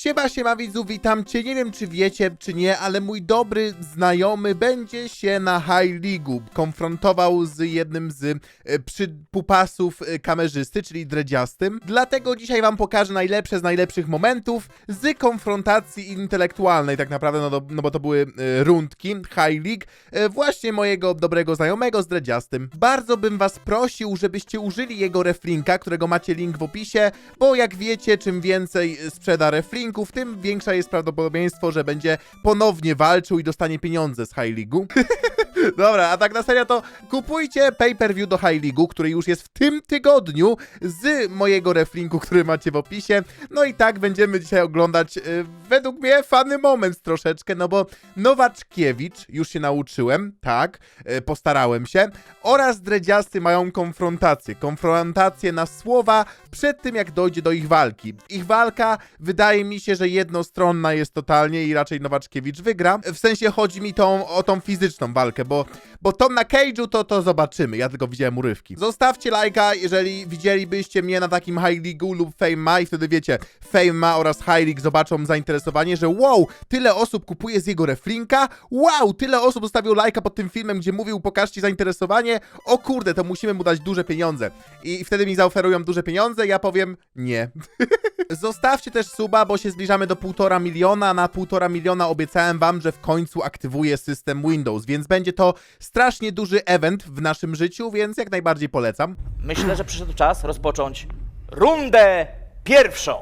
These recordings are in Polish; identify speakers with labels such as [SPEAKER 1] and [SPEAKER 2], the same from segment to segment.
[SPEAKER 1] Siema widzu, witam cię. Nie wiem czy wiecie czy nie, ale mój dobry znajomy będzie się na High League'u konfrontował z jednym z przypupasów kamerzysty, czyli dredziastym. Dlatego dzisiaj wam pokażę najlepsze z najlepszych momentów z konfrontacji intelektualnej tak naprawdę, no bo to były rundki High League właśnie mojego dobrego znajomego z dredziastym. Bardzo bym was prosił, żebyście użyli jego reflinka, którego macie link w opisie, bo jak wiecie, czym więcej sprzeda reflinków, tym większe jest prawdopodobieństwo, że będzie ponownie walczył i dostanie pieniądze z High League'u. Dobra, a tak na serio to kupujcie pay-per-view do High League'u, który już jest w tym tygodniu z mojego reflinku, który macie w opisie. No i tak będziemy dzisiaj oglądać według mnie fany moment troszeczkę, no bo Nowaczkiewicz, już się nauczyłem, tak, postarałem się, oraz dredziasty mają konfrontację na słowa przed tym jak dojdzie do ich walki. Ich walka wydaje mi się, że jednostronna jest totalnie i raczej Nowaczkiewicz wygra. W sensie chodzi mi o tą fizyczną walkę, bo tą na cage'u to zobaczymy. Ja tylko widziałem urywki. Zostawcie lajka, jeżeli widzielibyście mnie na takim High League'u lub Fame Ma i wtedy wiecie, Fame Ma oraz High League zobaczą zainteresowanie, że wow, tyle osób kupuje z jego reflinka, wow, tyle osób zostawiło lajka pod tym filmem, gdzie mówił pokażcie zainteresowanie, o kurde, to musimy mu dać duże pieniądze. I wtedy mi zaoferują duże pieniądze, ja powiem nie. Zostawcie też suba, bo się zbliżamy do 1,5 miliona. Na 1,5 miliona obiecałem wam, że w końcu aktywuję system Windows, więc będzie to strasznie duży event w naszym życiu, więc jak najbardziej polecam.
[SPEAKER 2] Myślę, że przyszedł czas rozpocząć rundę pierwszą.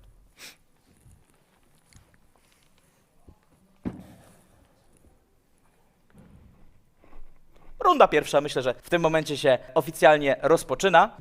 [SPEAKER 2] Runda pierwsza, myślę, że w tym momencie się oficjalnie rozpoczyna.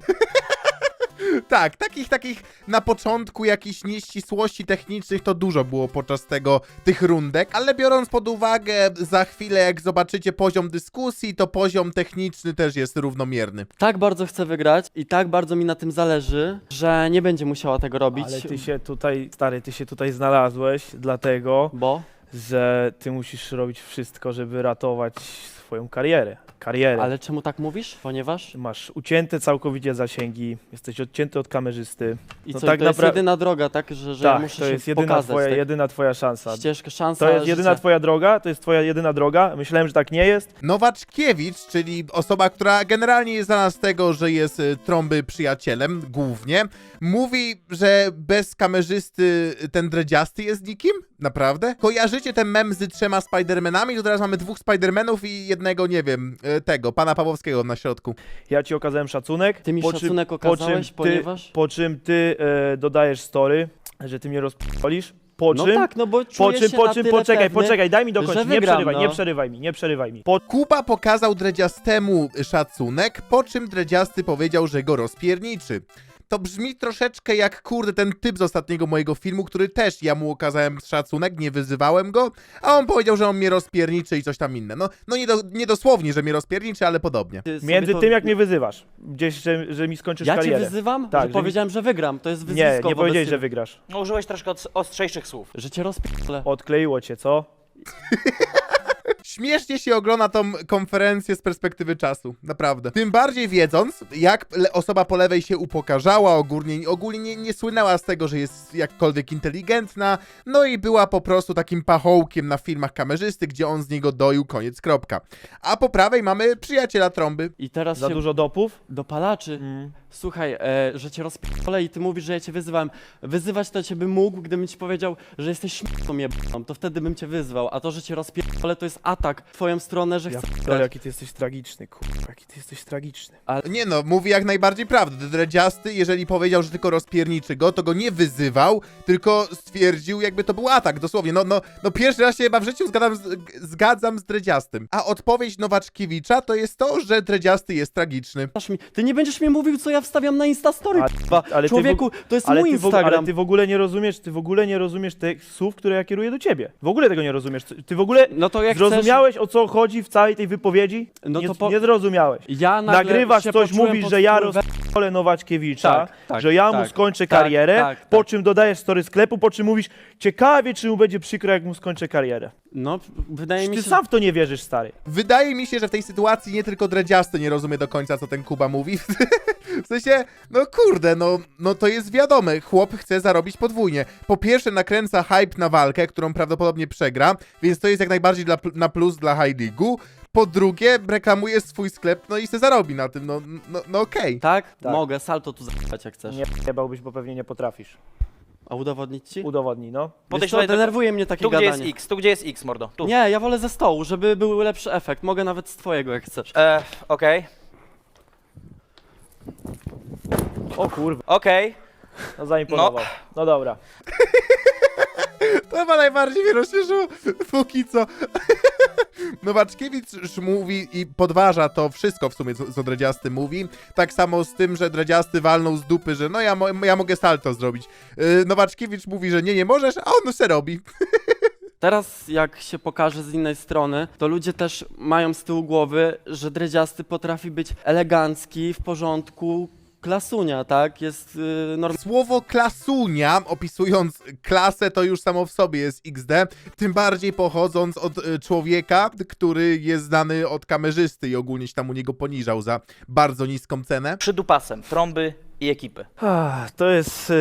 [SPEAKER 1] Tak, takich na początku jakichś nieścisłości technicznych to dużo było podczas tych rundek, ale biorąc pod uwagę za chwilę jak zobaczycie poziom dyskusji, to poziom techniczny też jest równomierny.
[SPEAKER 3] Tak bardzo chcę wygrać i tak bardzo mi na tym zależy, że nie będzie musiała tego robić.
[SPEAKER 4] Ale ty się tutaj, stary, ty się tutaj znalazłeś dlatego,
[SPEAKER 3] Bo?
[SPEAKER 4] że ty musisz robić wszystko, żeby ratować swoją karierę.
[SPEAKER 3] Ale czemu tak mówisz? Ponieważ?
[SPEAKER 4] Masz ucięte całkowicie zasięgi, jesteś odcięty od kamerzysty.
[SPEAKER 3] I
[SPEAKER 4] No
[SPEAKER 3] co,
[SPEAKER 4] tak
[SPEAKER 3] to jest jedyna droga, tak? Że ja
[SPEAKER 4] tak,
[SPEAKER 3] muszę
[SPEAKER 4] to
[SPEAKER 3] się
[SPEAKER 4] jest
[SPEAKER 3] pokazać, tak?
[SPEAKER 4] jedyna twoja szansa.
[SPEAKER 3] Ścieżka, szansa,
[SPEAKER 4] To jest jedyna
[SPEAKER 3] życia.
[SPEAKER 4] twoja droga, to jest twoja jedyna droga. Myślałem, że tak nie jest.
[SPEAKER 1] Nowaczkiewicz, czyli osoba, która generalnie jest znana z tego, że jest trąby przyjacielem, głównie, mówi, że bez kamerzysty ten dredziasty jest nikim? Naprawdę? Kojarzycie ten mem z 3 Spidermanami? To teraz mamy 2 Spidermanów i jednego, nie wiem, tego, pana Pawłowskiego na środku.
[SPEAKER 4] Ja ci okazałem szacunek.
[SPEAKER 3] Ty mi szacunek okazałeś, ponieważ?
[SPEAKER 4] Po czym ty dodajesz story, że ty mnie rozpolisz. Po
[SPEAKER 3] No
[SPEAKER 4] czym?
[SPEAKER 3] tak, no bo czuję się na tyle
[SPEAKER 4] Poczekaj, daj mi dokończyć,
[SPEAKER 3] że wygram,
[SPEAKER 4] nie przerywaj mi.
[SPEAKER 1] Kuba pokazał dredziastemu szacunek, po czym dredziasty powiedział, że go rozpierniczy. To brzmi troszeczkę jak, kurde, ten typ z ostatniego mojego filmu, który też ja mu okazałem szacunek, nie wyzywałem go, a on powiedział, że on mnie rozpierniczy i coś tam inne. No nie dosłownie, że mnie rozpierniczy, ale podobnie.
[SPEAKER 4] Między tym, jak mnie wyzywasz, gdzieś, że mi skończysz
[SPEAKER 3] Ja
[SPEAKER 4] karierę.
[SPEAKER 3] cię wyzywam?
[SPEAKER 4] Tak,
[SPEAKER 3] że
[SPEAKER 4] że
[SPEAKER 3] powiedziałem, że wygram, to jest wyzwisko.
[SPEAKER 4] Nie powiedziałeś, że
[SPEAKER 3] ciebie.
[SPEAKER 4] wygrasz.
[SPEAKER 2] No, użyłeś troszkę ostrzejszych słów.
[SPEAKER 3] Że cię rozpierdolę.
[SPEAKER 4] Odkleiło cię, co?
[SPEAKER 1] Śmiesznie się ogląda tą konferencję z perspektywy czasu, naprawdę. Tym bardziej wiedząc, jak osoba po lewej się upokarzała, ogólnie nie słynęła z tego, że jest jakkolwiek inteligentna, no i była po prostu takim pachołkiem na filmach kamerzysty, gdzie on z niego doił, koniec, kropka. A po prawej mamy przyjaciela trąby.
[SPEAKER 3] I teraz
[SPEAKER 4] Za
[SPEAKER 3] się
[SPEAKER 4] dużo dopów?
[SPEAKER 3] dopalaczy. Słuchaj, że cię rozpierdolę i ty mówisz, że ja cię wyzywałem. Wyzywać to cię bym mógł, gdybym ci powiedział, że jesteś śmieszną jebaną, to wtedy bym cię wyzwał. A to, że cię rozpierdolę, to jest atak w twoją stronę, że
[SPEAKER 4] Ja
[SPEAKER 3] chcę
[SPEAKER 4] p***dolę,
[SPEAKER 3] wygrać.
[SPEAKER 4] jaki ty jesteś tragiczny, kurwa, jaki ty jesteś tragiczny.
[SPEAKER 1] Nie no, mówi jak najbardziej prawdę. Dredziasty, jeżeli powiedział, że tylko rozpierniczy go, to go nie wyzywał, tylko stwierdził, jakby to był atak, dosłownie. No pierwszy raz się chyba w życiu zgadzam z dredziastym. A odpowiedź Nowaczkiewicza to jest to, że dredziasty jest tragiczny.
[SPEAKER 3] Ty nie będziesz mi mówił, co ja wstawiam na Instastory, k***a.
[SPEAKER 4] ale ty
[SPEAKER 3] Człowieku, to jest
[SPEAKER 4] Ale
[SPEAKER 3] mój Instagram.
[SPEAKER 4] ale ty w ogóle nie rozumiesz tych słów, które ja kieruję do ciebie. W ogóle tego nie rozumiesz. Ty w ogóle
[SPEAKER 3] No to jak
[SPEAKER 4] zrozumiałeś, o co chodzi w całej tej wypowiedzi?
[SPEAKER 3] No
[SPEAKER 4] nie,
[SPEAKER 3] to
[SPEAKER 4] nie zrozumiałeś.
[SPEAKER 3] Ja nagle
[SPEAKER 4] Nagrywasz
[SPEAKER 3] się
[SPEAKER 4] coś,
[SPEAKER 3] poczułem
[SPEAKER 4] mówisz,
[SPEAKER 3] pod
[SPEAKER 4] że ja
[SPEAKER 3] wpływem
[SPEAKER 4] rozpierdolę Nowaczkiewicza,
[SPEAKER 3] Tak,
[SPEAKER 4] że ja mu
[SPEAKER 3] tak,
[SPEAKER 4] skończę
[SPEAKER 3] tak,
[SPEAKER 4] karierę,
[SPEAKER 3] tak,
[SPEAKER 4] po
[SPEAKER 3] tak.
[SPEAKER 4] czym dodajesz story sklepu, po czym mówisz, ciekawie, czy mu będzie przykro, jak mu skończę karierę.
[SPEAKER 3] No, wydaje mi
[SPEAKER 4] Ty
[SPEAKER 3] się,
[SPEAKER 4] sam w to nie wierzysz, stary.
[SPEAKER 1] Wydaje mi się, że w tej sytuacji nie tylko Dredziasty nie rozumie do końca, co ten Kuba mówi. W sensie, no kurde, no to jest wiadome, chłop chce zarobić podwójnie. Po pierwsze nakręca hype na walkę, którą prawdopodobnie przegra, więc to jest jak najbardziej na plus dla High League'u. Po drugie, reklamuje swój sklep, no i se zarobi na tym, no okej.
[SPEAKER 3] tak?
[SPEAKER 4] Tak.
[SPEAKER 3] Mogę salto tu zabrać jak chcesz.
[SPEAKER 4] Nie bałbyś, bo pewnie nie potrafisz.
[SPEAKER 3] A udowodnić ci?
[SPEAKER 4] Udowodnij, no.
[SPEAKER 3] Wiesz
[SPEAKER 2] Podejdź
[SPEAKER 3] co,
[SPEAKER 2] tutaj do...
[SPEAKER 3] denerwuje mnie takie
[SPEAKER 2] Tu, gdzie jest
[SPEAKER 3] gadanie.
[SPEAKER 2] X, tu, gdzie jest X, mordo. Tu.
[SPEAKER 3] Nie, ja wolę ze stołu, żeby był lepszy efekt. Mogę nawet z twojego jak chcesz.
[SPEAKER 2] Okej.
[SPEAKER 4] O kurwa,
[SPEAKER 2] Okej.
[SPEAKER 4] no zaimponował. No dobra.
[SPEAKER 1] To chyba najbardziej mnie rozśmieszyło, póki co. Nowaczkiewicz mówi i podważa to wszystko w sumie, co Dredziasty mówi. Tak samo z tym, że Dredziasty walnął z dupy, że no ja mogę salto zrobić. Nowaczkiewicz mówi, że nie możesz, a on se robi.
[SPEAKER 3] Teraz jak się pokaże z innej strony, to ludzie też mają z tyłu głowy, że Dredziasty potrafi być elegancki, w porządku, klasunia, tak? Jest normalny.
[SPEAKER 1] Słowo klasunia, opisując klasę, to już samo w sobie jest XD, tym bardziej pochodząc od człowieka, który jest znany od kamerzysty i ogólnie się tam u niego poniżał za bardzo niską cenę.
[SPEAKER 2] Przydupasem, trąby i ekipy.
[SPEAKER 4] To jest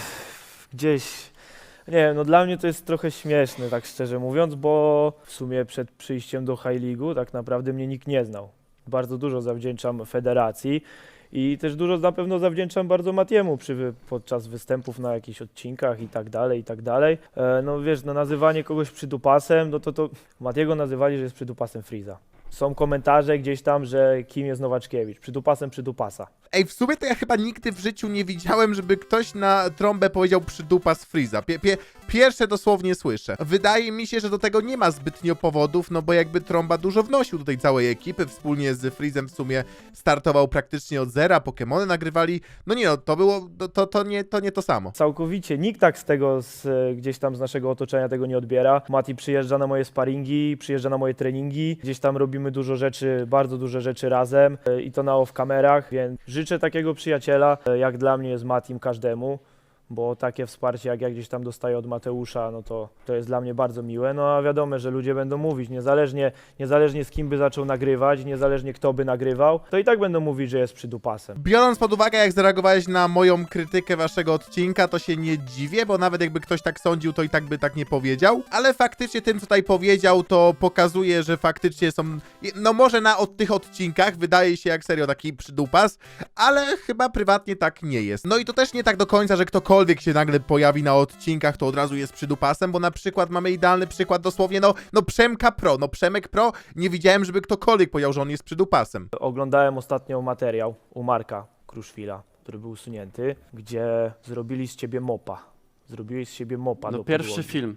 [SPEAKER 4] gdzieś... Nie wiem, no dla mnie to jest trochę śmieszne, tak szczerze mówiąc, bo w sumie przed przyjściem do High League'u tak naprawdę mnie nikt nie znał. Bardzo dużo zawdzięczam federacji i też dużo na pewno zawdzięczam bardzo Matiemu podczas występów na jakichś odcinkach i tak dalej, i tak dalej. No wiesz, no nazywanie kogoś przydupasem, no to Matiego nazywali, że jest przydupasem Freeza. Są komentarze gdzieś tam, że kim jest Nowaczkiewicz, przydupasem przydupasa.
[SPEAKER 1] Ej, w sumie to ja chyba nigdy w życiu nie widziałem, żeby ktoś na trąbę powiedział przydupa z Freeza. Pierwsze dosłownie słyszę. Wydaje mi się, że do tego nie ma zbytnio powodów, no bo jakby trąba dużo wnosił do tej całej ekipy, wspólnie z Freezem w sumie startował praktycznie od zera, Pokemony nagrywali. No nie no, to było, to nie to samo.
[SPEAKER 4] Całkowicie. Nikt tak z tego, gdzieś tam z naszego otoczenia tego nie odbiera. Mati przyjeżdża na moje sparingi, przyjeżdża na moje treningi. Gdzieś tam robimy dużo rzeczy, bardzo dużo rzeczy razem i to na off-kamerach, więc życzę takiego przyjaciela, jak dla mnie jest Matim każdemu, bo takie wsparcie, jak ja gdzieś tam dostaję od Mateusza, no to jest dla mnie bardzo miłe. No a wiadomo, że ludzie będą mówić, niezależnie z kim by zaczął nagrywać, niezależnie kto by nagrywał, to i tak będą mówić, że jest przydupasem.
[SPEAKER 1] Biorąc pod uwagę, jak zareagowałeś na moją krytykę waszego odcinka, to się nie dziwię, bo nawet jakby ktoś tak sądził, to i tak by tak nie powiedział. Ale faktycznie tym, co tutaj powiedział, to pokazuje, że faktycznie są... No może od tych odcinkach wydaje się jak serio taki przydupas, ale chyba prywatnie tak nie jest. No i to też nie tak do końca, że ktokolwiek się nagle pojawi na odcinkach, to od razu jest przydupasem, bo na przykład mamy idealny przykład dosłownie, no Przemka Pro, no Przemek Pro, nie widziałem, żeby ktokolwiek powiedział, że on jest przydupasem.
[SPEAKER 4] Oglądałem ostatnio materiał u Marka Kruszwila, który był usunięty, gdzie zrobili z ciebie mopa. Zrobiłeś z siebie mopa
[SPEAKER 3] No
[SPEAKER 4] do
[SPEAKER 3] pierwszy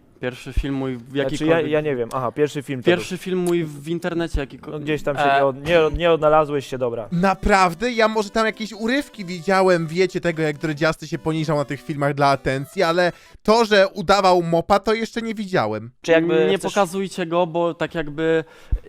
[SPEAKER 3] film mój w
[SPEAKER 4] Znaczy
[SPEAKER 3] jakikolwiek...
[SPEAKER 4] ja nie wiem, pierwszy film to
[SPEAKER 3] Pierwszy film mój w internecie
[SPEAKER 4] był.
[SPEAKER 3] jakikolwiek...
[SPEAKER 4] No gdzieś tam się nie odnalazłeś się, dobra.
[SPEAKER 1] Naprawdę? Ja może tam jakieś urywki widziałem, wiecie, tego jak Dredziasty się poniżał na tych filmach dla atencji, ale to, że udawał mopa, to jeszcze nie widziałem.
[SPEAKER 2] Czy jakby
[SPEAKER 3] nie
[SPEAKER 2] chcesz...
[SPEAKER 3] pokazujcie go, bo tak jakby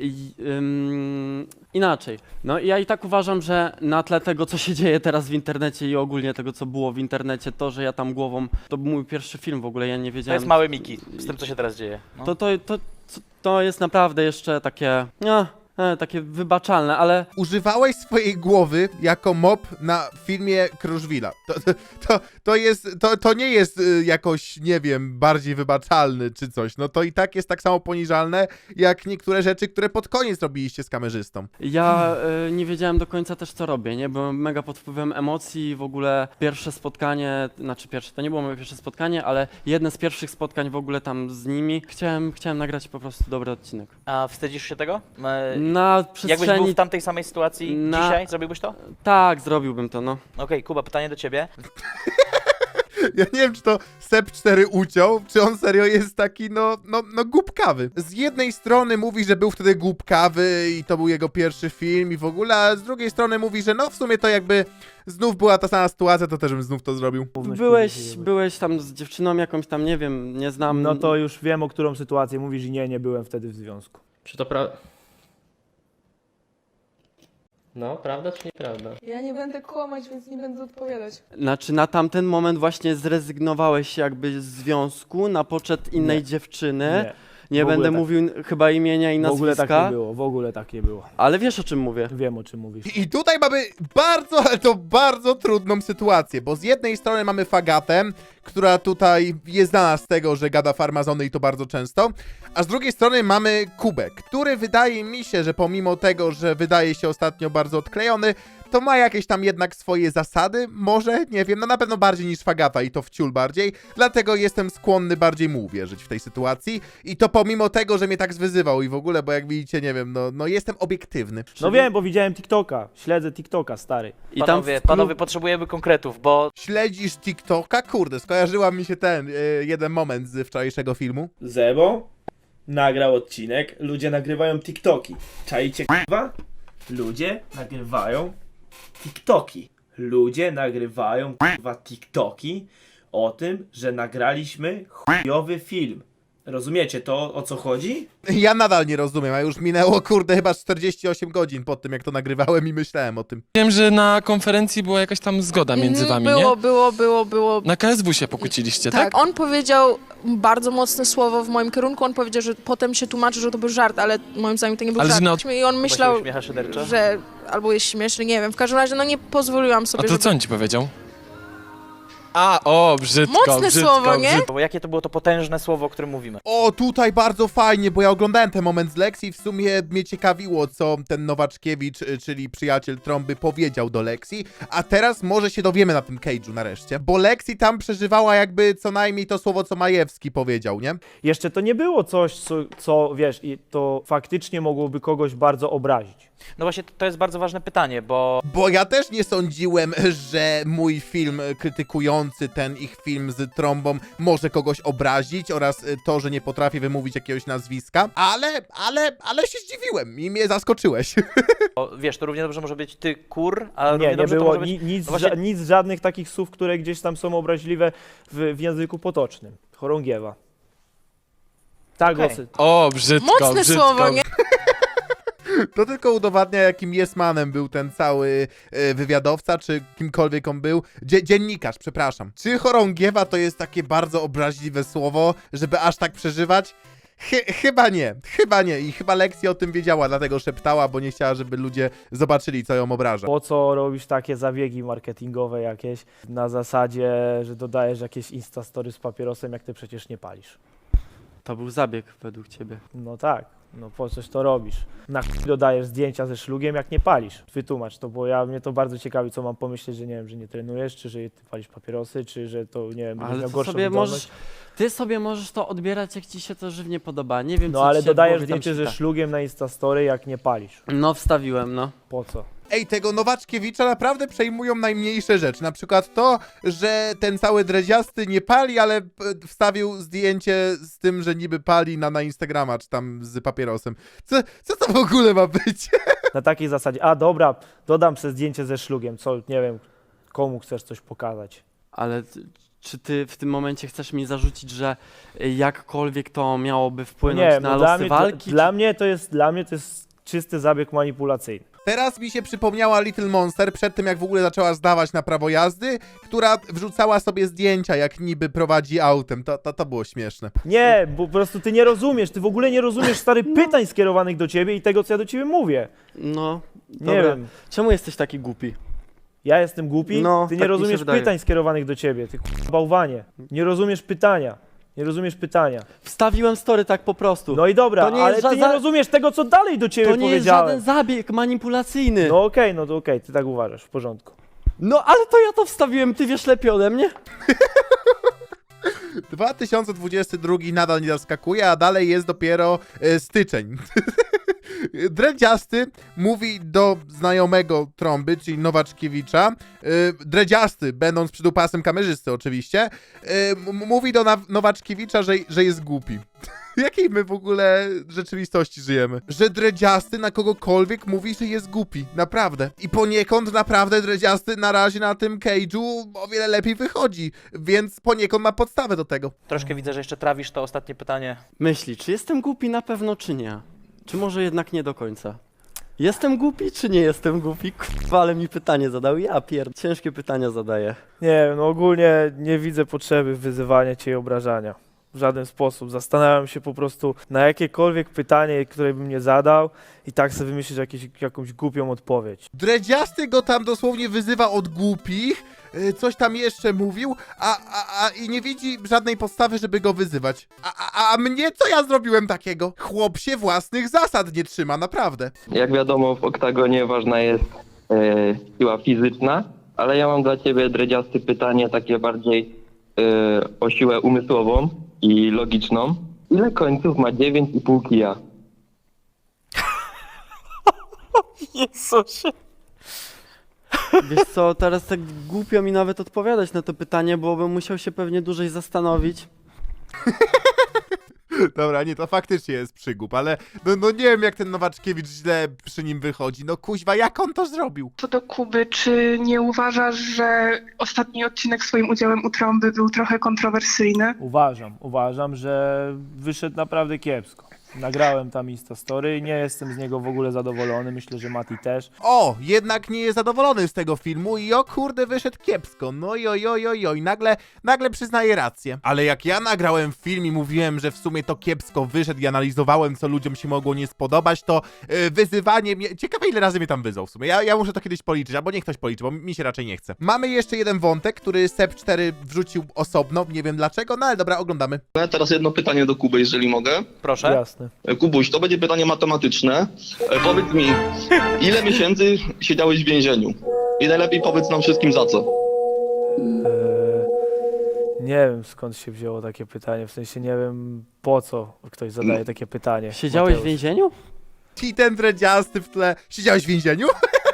[SPEAKER 3] inaczej. No i ja i tak uważam, że na tle tego, co się dzieje teraz w internecie i ogólnie tego, co było w internecie, to, że ja tam głową, to był mój pierwszy film w ogóle, ja nie
[SPEAKER 2] To
[SPEAKER 3] wiedziałem.
[SPEAKER 2] jest mały Miki, z tym, co się teraz dzieje. No.
[SPEAKER 3] To jest naprawdę jeszcze takie, takie wybaczalne, ale
[SPEAKER 1] Używałeś swojej głowy jako mop na filmie Kruszwila. To nie jest jakoś, nie wiem, bardziej wybaczalny czy coś. No to i tak jest tak samo poniżalne, jak niektóre rzeczy, które pod koniec robiliście z kamerzystą.
[SPEAKER 3] ja nie wiedziałem do końca też, co robię, nie? Byłem mega pod wpływem emocji, w ogóle pierwsze spotkanie, to nie było moje pierwsze spotkanie, ale jedne z pierwszych spotkań w ogóle tam z nimi. Chciałem nagrać po prostu dobry odcinek.
[SPEAKER 2] A wstydzisz się tego?
[SPEAKER 3] Na
[SPEAKER 2] Jakbyś był
[SPEAKER 3] przestrzeni...
[SPEAKER 2] w tamtej samej sytuacji dzisiaj, zrobiłbyś to?
[SPEAKER 3] Tak, zrobiłbym to, no.
[SPEAKER 2] Okej, Kuba, pytanie do ciebie.
[SPEAKER 1] Ja nie wiem, czy to Sep 4 uciął, czy on serio jest taki, no głupkawy. Z jednej strony mówi, że był wtedy głupkawy i to był jego pierwszy film i w ogóle, a z drugiej strony mówi, że no w sumie to jakby znów była ta sama sytuacja, to też bym znów to zrobił.
[SPEAKER 3] Byłeś tam z dziewczyną jakąś tam, nie wiem, nie znam.
[SPEAKER 4] No to już wiem, o którą sytuację mówisz i nie byłem wtedy w związku.
[SPEAKER 5] Czy to prawda? No, prawda czy nieprawda?
[SPEAKER 6] Ja nie będę kłamać, więc nie będę odpowiadać.
[SPEAKER 3] Znaczy na tamten moment właśnie zrezygnowałeś jakby z związku na poczet innej
[SPEAKER 4] Nie.
[SPEAKER 3] dziewczyny.
[SPEAKER 4] Nie.
[SPEAKER 3] Nie
[SPEAKER 4] W ogóle
[SPEAKER 3] będę
[SPEAKER 4] tak.
[SPEAKER 3] mówił chyba imienia i
[SPEAKER 4] W ogóle tak
[SPEAKER 3] nazwiska,
[SPEAKER 4] nie było, w ogóle tak nie było.
[SPEAKER 3] ale wiesz o czym mówię.
[SPEAKER 4] Wiem, o czym mówisz.
[SPEAKER 1] I tutaj mamy bardzo, ale to bardzo trudną sytuację, bo z jednej strony mamy Fagatę, która tutaj jest znana z tego, że gada farmazony i to bardzo często, a z drugiej strony mamy Kubę, który wydaje mi się, że pomimo tego, że wydaje się ostatnio bardzo odklejony, to ma jakieś tam jednak swoje zasady, może, nie wiem, no na pewno bardziej niż Fagata i to wciul bardziej, dlatego jestem skłonny bardziej mu uwierzyć w tej sytuacji i to pomimo tego, że mnie tak zwyzywał i w ogóle, bo jak widzicie, nie wiem, no jestem obiektywny.
[SPEAKER 4] No wiem, bo widziałem TikToka, śledzę TikToka, stary.
[SPEAKER 3] I
[SPEAKER 2] Panowie, potrzebujemy konkretów, bo
[SPEAKER 1] Śledzisz TikToka? Kurde, skojarzyła mi się ten jeden moment z wczorajszego filmu.
[SPEAKER 7] Zebo nagrał odcinek, ludzie nagrywają TikToki. Czajcie k***wa? Ludzie nagrywają TikToki. Ludzie nagrywają k***wa TikToki o tym, że nagraliśmy chujowy film. Rozumiecie to, o co chodzi?
[SPEAKER 1] Ja nadal nie rozumiem, a już minęło, kurde, chyba 48 godzin po tym, jak to nagrywałem i myślałem o tym.
[SPEAKER 8] Wiem, że na konferencji była jakaś tam zgoda między wami, nie?
[SPEAKER 6] Było.
[SPEAKER 8] Na KSW się pokłóciliście, tak?
[SPEAKER 6] Tak, on powiedział bardzo mocne słowo w moim kierunku, on powiedział, że potem się tłumaczy, że to był żart, ale moim zdaniem to nie był
[SPEAKER 8] Ale że
[SPEAKER 6] żart. I on myślał,
[SPEAKER 2] uśmiecha szyderczo.
[SPEAKER 6] że albo jest śmieszny, nie wiem, w każdym razie no nie pozwoliłam
[SPEAKER 8] A
[SPEAKER 6] sobie,
[SPEAKER 8] to co on ci powiedział? Brzydko,
[SPEAKER 6] Mocne słowo, nie?
[SPEAKER 2] Bo jakie to było to potężne słowo, o którym mówimy?
[SPEAKER 1] O, tutaj bardzo fajnie, bo ja oglądałem ten moment z Lexi i w sumie mnie ciekawiło, co ten Nowaczkiewicz, czyli przyjaciel Trąby, powiedział do Lexi, a teraz może się dowiemy na tym cage'u nareszcie, bo Lexi tam przeżywała jakby co najmniej to słowo, co Majewski powiedział, nie?
[SPEAKER 4] Jeszcze to nie było coś, co wiesz, i to faktycznie mogłoby kogoś bardzo obrazić.
[SPEAKER 2] No właśnie, to jest bardzo ważne pytanie, bo
[SPEAKER 1] Bo ja też nie sądziłem, że mój film krytykujący ten ich film z Trąbą może kogoś obrazić oraz to, że nie potrafię wymówić jakiegoś nazwiska, ale się zdziwiłem i mnie zaskoczyłeś.
[SPEAKER 2] wiesz, to równie dobrze może być ty kur, a równie
[SPEAKER 4] Nie
[SPEAKER 2] dobrze to
[SPEAKER 4] było
[SPEAKER 2] może być...
[SPEAKER 4] nic,
[SPEAKER 2] no właśnie-
[SPEAKER 4] nic żadnych takich słów, które gdzieś tam są obraźliwe w języku potocznym. Chorągiewa. Tak,
[SPEAKER 2] Okej.
[SPEAKER 4] głosy.
[SPEAKER 8] Brzydko,
[SPEAKER 6] Mocne
[SPEAKER 8] brzydko.
[SPEAKER 6] słowo, nie?
[SPEAKER 1] To tylko udowadnia, jakim jest-manem był ten cały wywiadowca, czy kimkolwiek on był. Dziennikarz, przepraszam. Czy chorągiewa to jest takie bardzo obraźliwe słowo, żeby aż tak przeżywać? Chyba nie. I chyba Lexi o tym wiedziała, dlatego szeptała, bo nie chciała, żeby ludzie zobaczyli, co ją obraża.
[SPEAKER 4] Po co robisz takie zabiegi marketingowe jakieś na zasadzie, że dodajesz jakieś instastory z papierosem, jak ty przecież nie palisz?
[SPEAKER 3] To był zabieg według ciebie.
[SPEAKER 4] No tak, no po coś to robisz? Na chuj dodajesz zdjęcia ze szlugiem, jak nie palisz? Wytłumacz to, bo mnie to bardzo ciekawi, co mam pomyśleć, że nie wiem, że nie trenujesz, czy że ty palisz papierosy, czy że to, nie wiem, będziesz
[SPEAKER 3] Ale
[SPEAKER 4] miał
[SPEAKER 3] to
[SPEAKER 4] gorszą
[SPEAKER 3] sobie
[SPEAKER 4] wydolność.
[SPEAKER 3] ty sobie możesz to odbierać, jak ci się to żywnie podoba. Nie wiem,
[SPEAKER 4] No
[SPEAKER 3] co
[SPEAKER 4] ale
[SPEAKER 3] ci się w
[SPEAKER 4] dodajesz
[SPEAKER 3] głowie tam
[SPEAKER 4] zdjęcie ze
[SPEAKER 3] czyta.
[SPEAKER 4] szlugiem na instastory, jak nie palisz.
[SPEAKER 3] No, wstawiłem, no.
[SPEAKER 4] Po co?
[SPEAKER 1] Ej, tego Nowaczkiewicza naprawdę przejmują najmniejsze rzeczy. Na przykład to, że ten cały dredziasty nie pali, ale wstawił zdjęcie z tym, że niby pali na Instagrama, czy tam z papierosem. Co to w ogóle ma być?
[SPEAKER 4] Na takiej zasadzie, dobra, dodam sobie zdjęcie ze szlugiem, co, nie wiem, komu chcesz coś pokazać.
[SPEAKER 3] Ale czy ty w tym momencie chcesz mi zarzucić, że jakkolwiek to miałoby wpłynąć
[SPEAKER 4] Nie,
[SPEAKER 3] na
[SPEAKER 4] no
[SPEAKER 3] losy walki?
[SPEAKER 4] dla mnie to jest czysty zabieg manipulacyjny.
[SPEAKER 1] Teraz mi się przypomniała Little Monster przed tym, jak w ogóle zaczęła zdawać na prawo jazdy, która wrzucała sobie zdjęcia, jak niby prowadzi autem. To było śmieszne.
[SPEAKER 4] Nie, bo po prostu ty nie rozumiesz, ty w ogóle nie rozumiesz, stary, pytań skierowanych do ciebie i tego, co ja do ciebie mówię.
[SPEAKER 3] No,
[SPEAKER 4] Nie
[SPEAKER 3] dobra.
[SPEAKER 4] wiem,
[SPEAKER 3] Czemu jesteś taki głupi?
[SPEAKER 4] ja jestem głupi,
[SPEAKER 3] No,
[SPEAKER 4] ty nie
[SPEAKER 3] tak mi się
[SPEAKER 4] rozumiesz
[SPEAKER 3] wydaje.
[SPEAKER 4] pytań skierowanych do ciebie, ty bałwanie. Nie rozumiesz pytania. Nie rozumiesz pytania.
[SPEAKER 3] Wstawiłem story tak po prostu.
[SPEAKER 4] No i dobra,
[SPEAKER 3] To nie
[SPEAKER 4] ale
[SPEAKER 3] jest
[SPEAKER 4] ty nie rozumiesz tego, co dalej do ciebie
[SPEAKER 3] to nie jest
[SPEAKER 4] powiedziałem.
[SPEAKER 3] żaden zabieg manipulacyjny.
[SPEAKER 4] No okej, no to okej, ty tak uważasz, w porządku.
[SPEAKER 3] No ale to ja to wstawiłem, ty wiesz lepiej ode mnie?
[SPEAKER 1] 2022 nadal nie zaskakuje, a dalej jest dopiero styczeń. Dredziasty mówi do znajomego Trąby, czyli Nowaczkiewicza, Dredziasty, będąc przydupasem kamerzysty oczywiście, mówi do Nowaczkiewicza, że jest głupi. W jakiej my w ogóle rzeczywistości żyjemy? Że Dredziasty na kogokolwiek mówi, że jest głupi. Naprawdę. I poniekąd naprawdę Dredziasty na razie na tym cage'u o wiele lepiej wychodzi. Więc poniekąd ma podstawę do tego.
[SPEAKER 2] Troszkę widzę, że jeszcze trawisz to ostatnie pytanie.
[SPEAKER 3] Myśli, czy jestem głupi na pewno, czy nie? Czy może jednak nie do końca? Jestem głupi czy nie jestem głupi? Kurwa, ale mi pytanie zadał. Ja ciężkie pytania zadaję.
[SPEAKER 4] Nie wiem, no ogólnie nie widzę potrzeby wyzywania cię i obrażania. W żaden sposób. Zastanawiam się po prostu na jakiekolwiek pytanie, które bym nie zadał i tak sobie wymyślić jakąś głupią odpowiedź.
[SPEAKER 1] Dredziasty go tam dosłownie wyzywa od głupich, coś tam jeszcze mówił, i nie widzi żadnej podstawy, żeby go wyzywać. A mnie co ja zrobiłem takiego? Chłop się własnych zasad nie trzyma, naprawdę.
[SPEAKER 5] Jak wiadomo, w oktagonie ważna jest siła fizyczna, ale ja mam dla ciebie, Dredziasty, pytanie takie bardziej o siłę umysłową i logiczną. Ile końców ma 9,5 kija?
[SPEAKER 4] Jezusie.
[SPEAKER 3] Wiesz co, teraz tak głupio mi nawet odpowiadać na to pytanie, bo bym musiał się pewnie dłużej zastanowić.
[SPEAKER 1] Dobra, nie, to faktycznie jest przygłup, ale no nie wiem, jak ten Nowaczkiewicz źle przy nim wychodzi. No kuźwa, jak on to zrobił?
[SPEAKER 9] Co do Kuby, czy nie uważasz, że ostatni odcinek swoim udziałem u Trąby był trochę kontrowersyjny?
[SPEAKER 4] Uważam, że wyszedł naprawdę kiepsko. Nagrałem tam Instastory i nie jestem z niego w ogóle zadowolony, myślę, że Mati też.
[SPEAKER 1] O, jednak nie jest zadowolony z tego filmu i o kurde, wyszedł kiepsko. No oj, nagle przyznaje rację. Ale jak ja nagrałem film i mówiłem, że w sumie to kiepsko wyszedł i analizowałem, co ludziom się mogło nie spodobać, to wyzywanie mnie... Ciekawe, ile razy mnie tam wyzwał w sumie. Ja muszę to kiedyś policzyć, albo niech ktoś policzy, bo mi się raczej nie chce. Mamy jeszcze jeden wątek, który Sep4 wrzucił osobno, nie wiem dlaczego, no ale dobra, oglądamy.
[SPEAKER 10] Teraz jedno pytanie do Kuby, jeżeli mogę.
[SPEAKER 2] Proszę.
[SPEAKER 4] Jasne.
[SPEAKER 10] Kubuś, to będzie pytanie matematyczne. Powiedz mi, ile miesięcy siedziałeś w więzieniu? I najlepiej powiedz nam wszystkim za co.
[SPEAKER 4] Nie wiem, skąd się wzięło takie pytanie, w sensie nie wiem, po co ktoś zadaje takie pytanie.
[SPEAKER 3] Siedziałeś w
[SPEAKER 4] Mateusz.
[SPEAKER 3] więzieniu?
[SPEAKER 1] I ten dredziasty w tle. Siedziałeś w więzieniu?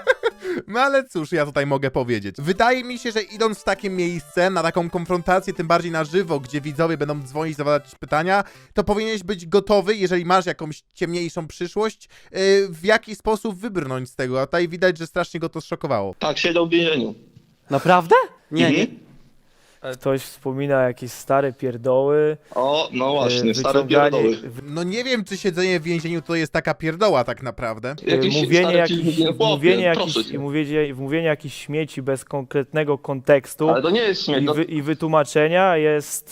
[SPEAKER 1] No ale cóż, ja tutaj mogę powiedzieć. Wydaje mi się, że idąc w takie miejsce, na taką konfrontację, tym bardziej na żywo, gdzie widzowie będą dzwonić, zadawać pytania, to powinieneś być gotowy, jeżeli masz jakąś ciemniejszą przyszłość, w jaki sposób wybrnąć z tego. A tutaj widać, że strasznie go to zszokowało.
[SPEAKER 10] Tak, siedział w więzieniu.
[SPEAKER 3] Naprawdę? Nie, nie.
[SPEAKER 4] Ktoś wspomina jakieś stare pierdoły.
[SPEAKER 10] O, no właśnie, stare
[SPEAKER 4] wyciąganie-
[SPEAKER 10] pierdoły.
[SPEAKER 1] No nie wiem, czy siedzenie w więzieniu to jest taka pierdoła tak naprawdę.
[SPEAKER 10] Jakieś
[SPEAKER 4] mówienie
[SPEAKER 10] stare
[SPEAKER 4] jakichś,
[SPEAKER 10] filmy, chłopie, proszę cię.
[SPEAKER 4] mówienie jakichś śmieci bez konkretnego kontekstu
[SPEAKER 10] Ale to nie jest śmiech.
[SPEAKER 4] i wytłumaczenia jest,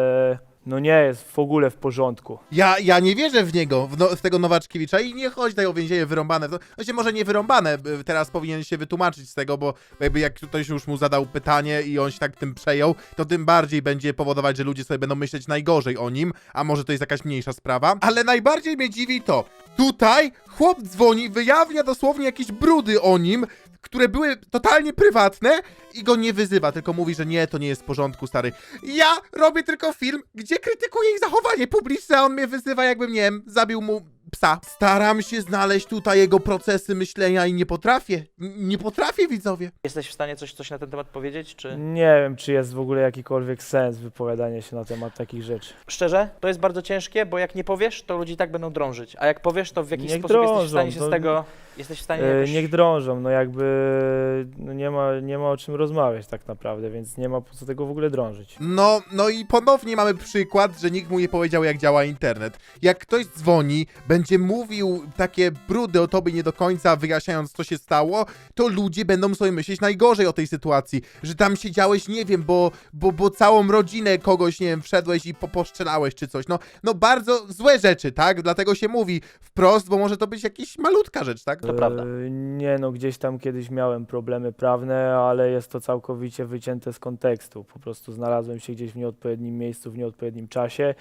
[SPEAKER 4] no nie jest w ogóle w porządku.
[SPEAKER 1] Ja nie wierzę w niego, w tego Nowaczkiewicza i nie chodzi tutaj o więzienie wyrąbane. Znaczy może nie wyrąbane, teraz powinien się wytłumaczyć z tego, bo jakby jak ktoś już mu zadał pytanie i on się tak tym przejął, to tym bardziej będzie powodować, że ludzie sobie będą myśleć najgorzej o nim, a może to jest jakaś mniejsza sprawa. Ale najbardziej mnie dziwi to, tutaj chłop dzwoni, wyjawnia dosłownie jakieś brudy o nim, które były totalnie prywatne i go nie wyzywa, tylko mówi, że nie, to nie jest w porządku, stary. Ja robię tylko film, gdzie krytykuję ich zachowanie publiczne, a on mnie wyzywa, jakbym, nie wiem, zabił mu psa. Staram się znaleźć tutaj jego procesy myślenia i nie potrafię. Nie potrafię, widzowie.
[SPEAKER 2] Jesteś w stanie coś na ten temat powiedzieć, czy...
[SPEAKER 4] Nie wiem, czy jest w ogóle jakikolwiek sens wypowiadania się na temat takich rzeczy.
[SPEAKER 2] Szczerze, to jest bardzo ciężkie, bo jak nie powiesz, to ludzie i tak będą drążyć. A jak powiesz, to w jakiś
[SPEAKER 4] Niech
[SPEAKER 2] sposób jesteś w
[SPEAKER 4] drążą,
[SPEAKER 2] stanie się
[SPEAKER 4] to-
[SPEAKER 2] z tego... Jesteś w stanie jakoś...
[SPEAKER 4] Niech drążą, no jakby no nie ma o czym rozmawiać tak naprawdę, więc nie ma po co tego w ogóle drążyć.
[SPEAKER 1] No i ponownie mamy przykład, że nikt mu nie powiedział, jak działa internet. Jak ktoś dzwoni, będzie mówił takie brudy o tobie nie do końca, wyjaśniając, co się stało, to ludzie będą sobie myśleć najgorzej o tej sytuacji. Że tam siedziałeś, nie wiem, bo całą rodzinę kogoś, nie wiem, wszedłeś i poszczelałeś czy coś. No bardzo złe rzeczy, tak? Dlatego się mówi wprost, bo może to być jakaś malutka rzecz, tak?
[SPEAKER 2] To prawda.
[SPEAKER 4] Nie no, gdzieś tam kiedyś miałem problemy prawne, ale jest to całkowicie wycięte z kontekstu. Po prostu znalazłem się gdzieś w nieodpowiednim miejscu, w nieodpowiednim czasie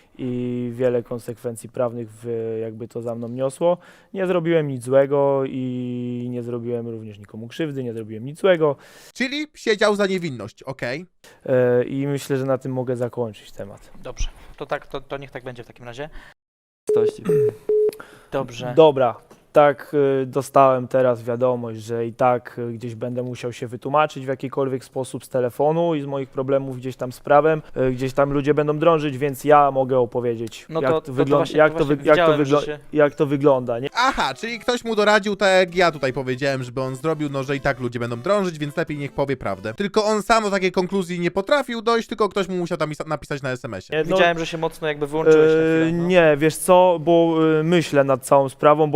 [SPEAKER 4] i wiele konsekwencji prawnych jakby to za mną niosło. Nie zrobiłem nic złego i nie zrobiłem również nikomu krzywdy, nie zrobiłem nic złego
[SPEAKER 1] Czyli siedział za niewinność, okej.
[SPEAKER 4] i myślę, że na tym mogę zakończyć temat.
[SPEAKER 2] Dobrze, to tak, to niech tak będzie w takim razie.
[SPEAKER 3] Stości.
[SPEAKER 2] Dobrze.
[SPEAKER 4] Dobra, tak dostałem teraz wiadomość, że i tak gdzieś będę musiał się wytłumaczyć w jakikolwiek sposób z telefonu i z moich problemów gdzieś tam z prawem, gdzieś tam ludzie będą drążyć, więc ja mogę opowiedzieć,
[SPEAKER 2] No
[SPEAKER 4] jak
[SPEAKER 2] to
[SPEAKER 4] to wygląda,
[SPEAKER 2] właśnie- to właśnie widziałem, że się-
[SPEAKER 4] jak to wygląda, nie?
[SPEAKER 1] Aha, czyli ktoś mu doradził, tak jak ja tutaj powiedziałem, żeby on zrobił, no że i tak ludzie będą drążyć, więc lepiej niech powie prawdę. Tylko on sam do takiej konkluzji nie potrafił dojść, tylko ktoś mu musiał tam napisać na SMS-ie.
[SPEAKER 4] Nie,
[SPEAKER 2] Widziałem, że się mocno jakby wyłączyłeś na chwilę. No.
[SPEAKER 4] Nie, wiesz co, bo myślę nad całą sprawą, bo jest to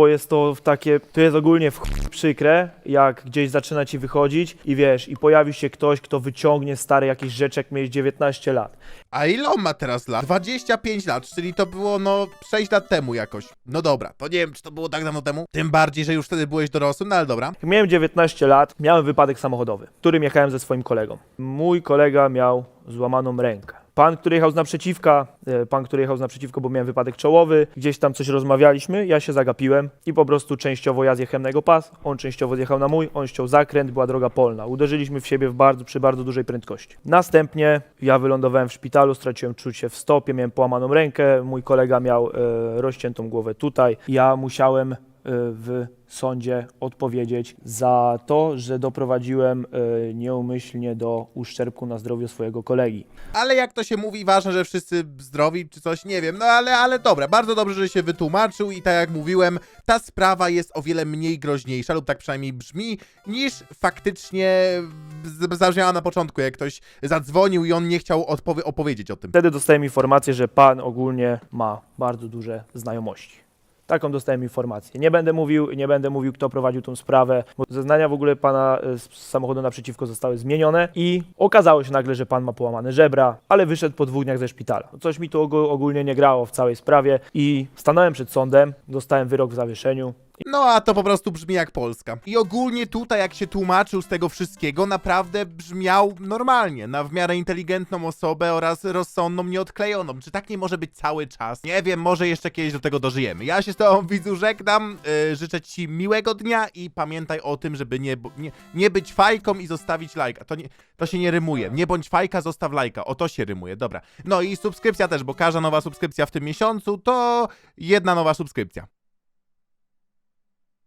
[SPEAKER 4] to jest ogólnie w chuj przykre, jak gdzieś zaczyna ci wychodzić i wiesz, i pojawi się ktoś, kto wyciągnie stare jakieś rzeczy, jak miałeś 19 lat.
[SPEAKER 1] A ile on ma teraz lat? 25 lat, czyli to było 6 lat temu jakoś. No dobra, to nie wiem, czy to było tak dawno temu. Tym bardziej, że już wtedy byłeś dorosłym, no ale dobra.
[SPEAKER 4] Jak miałem 19 lat, miałem wypadek samochodowy, w którym jechałem ze swoim kolegą. Mój kolega miał złamaną rękę. Pan, który jechał z naprzeciwko, bo miałem wypadek czołowy, gdzieś tam coś rozmawialiśmy, ja się zagapiłem i po prostu częściowo ja zjechałem na jego pas, on częściowo zjechał na mój, on ściął zakręt, była droga polna. Uderzyliśmy w siebie przy bardzo dużej prędkości. Następnie ja wylądowałem w szpitalu, straciłem czucie w stopie, miałem połamaną rękę, mój kolega miał rozciętą głowę tutaj. Ja musiałem w sądzie odpowiedzieć za to, że doprowadziłem nieumyślnie do uszczerbku na zdrowiu swojego kolegi.
[SPEAKER 1] Ale jak to się mówi, ważne, że wszyscy zdrowi czy coś, nie wiem, no ale dobra, bardzo dobrze, że się wytłumaczył i tak jak mówiłem, ta sprawa jest o wiele mniej groźniejsza, lub tak przynajmniej brzmi, niż faktycznie zabrzmiała na początku, jak ktoś zadzwonił i on nie chciał opowiedzieć o tym.
[SPEAKER 4] Wtedy dostałem informację, że pan ogólnie ma bardzo duże znajomości. Taką dostałem informację. Nie będę mówił, kto prowadził tą sprawę, bo zeznania w ogóle pana z samochodu naprzeciwko zostały zmienione i okazało się nagle, że pan ma połamane żebra, ale wyszedł po 2 dniach ze szpitala. Coś mi tu ogólnie nie grało w całej sprawie i stanąłem przed sądem, dostałem wyrok w zawieszeniu.
[SPEAKER 1] No a to po prostu brzmi jak Polska. I ogólnie tutaj, jak się tłumaczył z tego wszystkiego, naprawdę brzmiał normalnie, na w miarę inteligentną osobę oraz rozsądną, nieodklejoną. Czy tak nie może być cały czas? Nie wiem, może jeszcze kiedyś do tego dożyjemy. Ja się z tobą, widzu, żegnam, życzę ci miłego dnia i pamiętaj o tym, żeby nie być fajką i zostawić lajka. To się nie rymuje. Nie bądź fajka, zostaw lajka. O, to się rymuje, dobra. No i subskrypcja też, bo każda nowa subskrypcja w tym miesiącu to 1 nowa subskrypcja.